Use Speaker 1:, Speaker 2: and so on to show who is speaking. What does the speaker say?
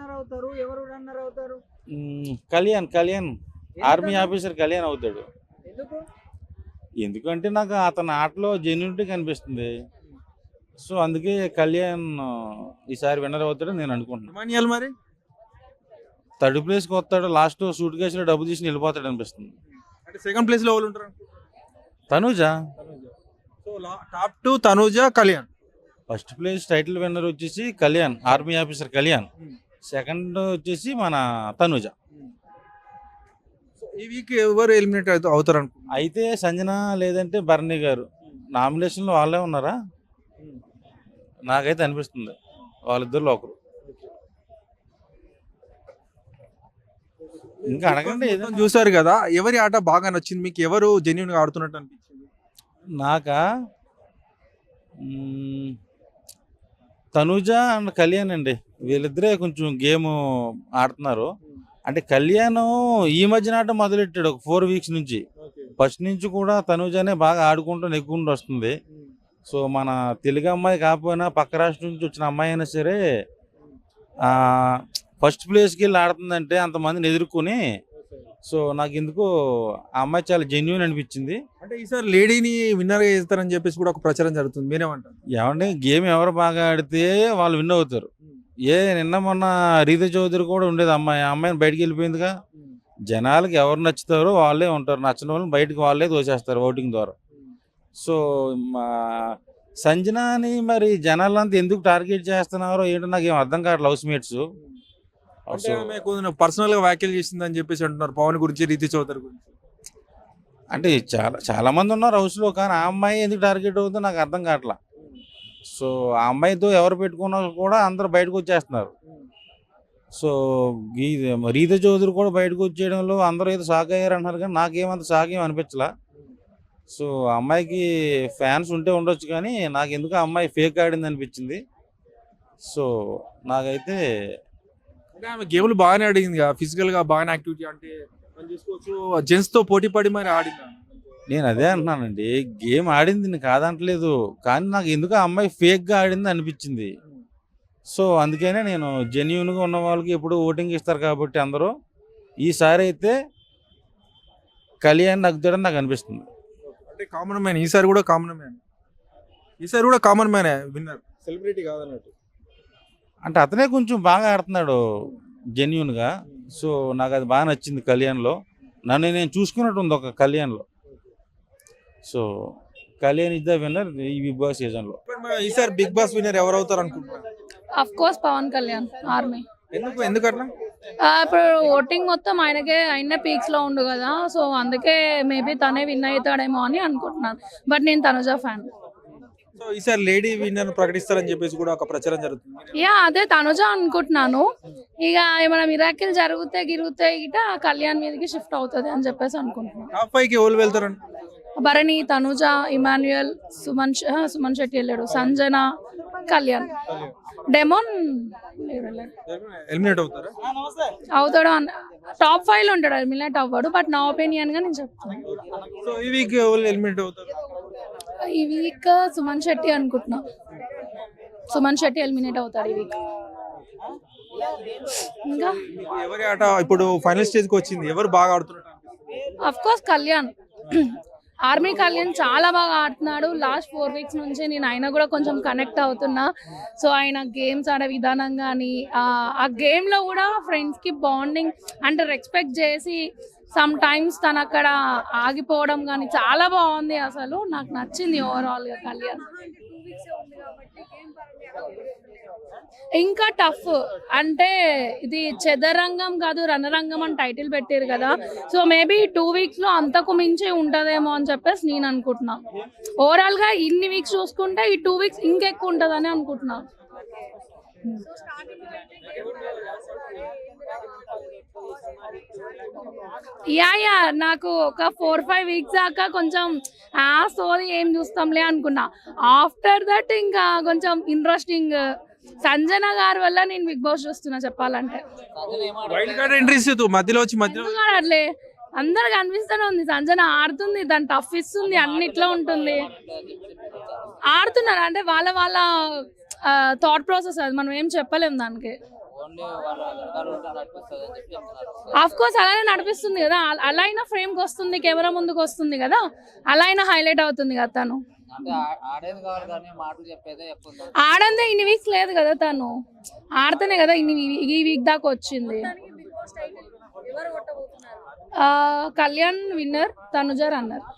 Speaker 1: Runner అవుతారు, ఎవరు runner అవుతారు?
Speaker 2: కళ్యాణ్ ఆర్మీ
Speaker 1: ఎందుకని?
Speaker 2: ఆఫీసర్ కళ్యాణ్ అవుతాడు.
Speaker 1: ఎందుకు?
Speaker 2: ఎందుకంటే నాకు అతని ఆటలో జెన్యూనిటీ కనిపిస్తుంది. సో అందుకే కళ్యాణ్ ఈసారి విన్నర్ అవుతాడని నేను అనుకుంటున్నాను.
Speaker 3: ఇమానియల్ మరి
Speaker 2: థర్డ్ ప్లేస్కి వస్తాడు, లాస్ట్ సూట్ కేసులో డబ్బు తీసి వెళ్ళిపోతాడు అనిపిస్తుంది.
Speaker 3: అంటే సెకండ్ ప్లేస్ లో ఎవరు ఉంటారు?
Speaker 2: Tanuja
Speaker 3: so top 2 Tanuja, Kalyan.
Speaker 2: First place title winner వచ్చేసి Kalyan, army officer Kalyan. Second వచ్చేసి మన తనూజ.
Speaker 3: సో ఈ వీక్ ఎవరు ఎలిమినేట్ అవుతారు అనుకుంటున్నారు?
Speaker 2: అయితే సంజన లేదంటే భరణి గారు నామినేషన్లో వాళ్ళే ఉన్నారా? నాకైతే అనిపిస్తుంది వాళ్ళిద్దరిలో ఒకరు. ఇంకా అడగండి ఏదో.
Speaker 3: మొత్తం చూసారు కదా, ఎవరి ఆట బాగా నచ్చింది మీకు? ఎవరు జెన్యున్ గా ఆడుతున్నట్టు అనిపించింది?
Speaker 2: నాకా తనూజ అండ్ కళ్యాణ్ అండి, వీళ్ళిద్దరే కొంచెం గేమ్ ఆడుతున్నారు. అంటే కళ్యాణ్ ఈ మధ్యన ఆట మొదలెట్టాడు ఒక 4 వీక్స్ నుంచి. ఫస్ట్ నుంచి కూడా తనూజనే బాగా ఆడుకుంటూ నెగ్గుకుంటూ వస్తుంది. సో మన తెలుగు అమ్మాయి కాకపోయినా పక్క రాష్ట్రం నుంచి వచ్చిన అమ్మాయి అయినా సరే ఫస్ట్ ప్లేస్కి వెళ్ళి ఆడుతుందంటే అంతమందిని ఎదుర్కొని, సో నాకు ఎందుకు ఆ అమ్మాయి చాలా జెన్యున్ అనిపించింది.
Speaker 3: అంటే ఈసారి లేడీని విన్నర్ గా చేస్తారని చెప్పేసి కూడా ఒక ప్రచారం జరుగుతుంది, మీరేమంటారు?
Speaker 2: ఏమంటే గేమ్ ఎవరు బాగా ఆడితే వాళ్ళు విన్ అవుతారు. నిన్న మొన్న రీతా చౌదరి కూడా ఉండేది అమ్మాయి, ఆ అమ్మాయిని బయటికి వెళ్ళిపోయిందిగా. జనాలకి ఎవరు నచ్చుతారో వాళ్ళే ఉంటారు, నచ్చిన వాళ్ళని బయటకు వాళ్ళే తోసేస్తారు ఓటింగ్ ద్వారా. సో మా సంజనాని మరి జనాలంతా ఎందుకు టార్గెట్ చేస్తున్నారో ఏంటో నాకు ఏం అర్థం కావట్లేదు. హౌస్ మేట్స్
Speaker 3: అంటే ఆమె కొంచెం పర్సనల్ గా వ్యాఖ్యలు చేసిందని చెప్పేసి అంటున్నారు, పవన్ గురించి, రీతి చౌదరి గురించి.
Speaker 2: అంటే చాలా మంది ఉన్నారు హౌస్లో, కానీ ఆ అమ్మాయి ఎందుకు టార్గెట్ అవుతుందో నాకు అర్థం కావట్లా. సో ఆ అమ్మాయితో ఎవరు పెట్టుకున్నా కూడా అందరూ బయటకు వచ్చేస్తున్నారు. సో రీతా చౌదరి కూడా బయటకు వచ్చేయడంలో అందరూ ఏదో షాక్ అయ్యారు అంటున్నారు, కానీ నాకేమంత షాక్ ఏం అనిపించలా. సో ఆ అమ్మాయికి ఫ్యాన్స్ ఉంటే ఉండొచ్చు, కానీ నాకు ఎందుకు ఆ అమ్మాయి ఫేక్ ఆడింది అనిపించింది. సో నాకైతే
Speaker 3: అంటే ఆమె గేమ్లు బాగానే ఆడింది, ఫిజికల్ గా బాగానే యాక్టివిటీ, అంటే మనం చూసుకోవచ్చు జెంట్స్ తో పోటీ పడి మరి ఆడింది.
Speaker 2: నేను అదే అంటున్నానండి, గేమ్ ఆడింది నేను కాదంటలేదు, కానీ నాకు ఎందుకు ఆ అమ్మాయి ఫేక్గా ఆడింది అనిపించింది. సో అందుకనే నేను జెన్యున్గా ఉన్న వాళ్ళకి ఎప్పుడు ఓటింగ్ ఇస్తారు కాబట్టి అందరూ, ఈసారి అయితే కళ్యాణ్ నగ్గుతాడని నాకు అనిపిస్తుంది.
Speaker 3: అంటే కామన్ మ్యాన్ ఈసారి కూడా కామన్ మ్యాన్ విన్నర్, సెలబ్రిటీ కాదన్నట్టు.
Speaker 2: అంటే అతనే కొంచెం బాగా ఆడుతున్నాడు జెన్యున్గా. సో నాకు అది బాగా నచ్చింది కళ్యాణ్లో. నన్ను నేను చూసుకున్నట్టు ఉంది ఒక కళ్యాణ్లో. So Kalyan is the winner ఈ బిగ్ బాస్ సీజన్లో.
Speaker 3: ఈసారి బిగ్ బాస్ విన్నర్ ఎవరు అవుతారు అనుకుంటున్నారు?
Speaker 4: Of course Pawan Kalyan, army.
Speaker 3: ఎందుకట్లా?
Speaker 4: ఇప్పుడు ఓటింగ్ మొత్తం ఆయనే పీక్స్ లో ఉండు కదా, సో అందుకే మేబీ తనే విన్ అవుతాడేమో అని అనుకుంటున్నాను. బట్ నేను తనుజ ఫ్యాన్.
Speaker 3: సో ఈసారి లేడీ విన్నర్ ప్రకటిస్తారని చెప్పేసి కూడా ఒక ప్రచారం జరుగుతుంది.
Speaker 4: అదే తనుజ అనుకుంటున్నాను. ఇక ఏమైనా మిరాకిల్ గిరిగితే గిట కళ్యాణ్ మీదకి షిఫ్ట్ అవుతుంది అని చెప్పేసి అనుకుంటున్నాను.
Speaker 3: టాప్ 5 కి ఎవరు వెళ్తారండి?
Speaker 4: భరణి, తనుజ, ఇమాన్యుయల్, సుమన్ శెట్టి వెళ్ళాడు, సంజన, కళ్యాణ్. డెమోన్
Speaker 3: ఎలిమినేట్ అవుతారా?
Speaker 4: అవుతాడు, టాప్ 5 లో ఉంటాడు. ఎలిమినేట్ అవ్వడు, బట్ నా ఒపీనియన్ గా నేను చెప్తాను.
Speaker 3: సో ఈ వీక్ ఎవరు ఎలిమినేట్ అవుతారు?
Speaker 4: ఈ వీక్ సుమన్ శెట్టి అనుకుంటున్నా. సుమన్ శెట్టి ఎలిమినేట్ అవుతాడు ఈ వీక్. ఇంకా
Speaker 3: ఎవరి ఆట ఇప్పుడు ఫైనల్ స్టేజ్ కి వచ్చింది, ఎవరు బాగా ఆడుతున్నారు?
Speaker 4: Of course Kalyan. Army Kalyan చాలా బాగా ఆడుతున్నాడు. లాస్ట్ 4 వీక్స్ నుంచి నేను ఆయన కూడా కొంచెం కనెక్ట్ అవుతున్నా. సో ఆయన గేమ్స్ ఆడే విధానం కానీ, ఆ గేమ్లో కూడా ఫ్రెండ్స్కి బాండింగ్ అంటే రెస్పెక్ట్ చేసి సమ్ టైమ్స్ తను అక్కడ ఆగిపోవడం కానీ చాలా బాగుంది. అసలు నాకు నచ్చింది ఓవరాల్గా కళ్యాణ్. ఇంకా టఫ్ అంటే ఇది చదరంగం కాదు రణరంగం అని టైటిల్ పెట్టారు కదా, సో మేబీ 2 వీక్స్ లో అంతకు మించి ఉంటదేమో అని చెప్పేసి నేను అనుకుంటున్నా. ఓవరాల్ గా ఇన్ని వీక్స్ చూసుకుంటే ఈ 2 వీక్స్ ఇంకెక్కువ ఉంటదని అనుకుంటున్నా. నాకు ఒక 4-5 వీక్స్ దాకా కొంచెం సోది ఏం చూస్తాంలే అనుకున్నా. ఆఫ్టర్ దట్ ఇంకా కొంచెం ఇంట్రెస్టింగ్. సంజన గారి వల్ల నేను బిగ్ బాస్ చూస్తున్నా చెప్పాలంటే. అట్లే అందరికి అనిపిస్తూనే ఉంది, సంజన ఆడుతుంది, దాని టఫ్ ఇస్తుంది, అన్నిట్లో ఉంటుంది, ఆడుతున్నారు. అంటే వాళ్ళ థాట్ ప్రాసెస్, అది మనం ఏం చెప్పలేము దానికి.
Speaker 5: ఓన్లీ వాళ్ళ వెనకాల ఉంటే నడిపిస్తుంది అని చెప్పి చెప్తున్నారు.
Speaker 4: ఆఫ్ కోర్స్ అలానే నడిపిస్తుంది కదా, అలా అయినా ఫ్రేమ్కి వస్తుంది, కెమెరా ముందుకు వస్తుంది కదా, అలా అయినా హైలైట్ అవుతుంది కదా తను.
Speaker 5: అంటే ఆడేది కావాలి కానీ మాటలు చెప్పేదే ఎక్కువ ఉంది.
Speaker 4: ఆడందే ఇన్ని వీక్స్ లేదు కదా తను, ఆడితేనే కదా ఈ వీక్ దాకా వచ్చింది. Kalyan winner, Tanuja runner.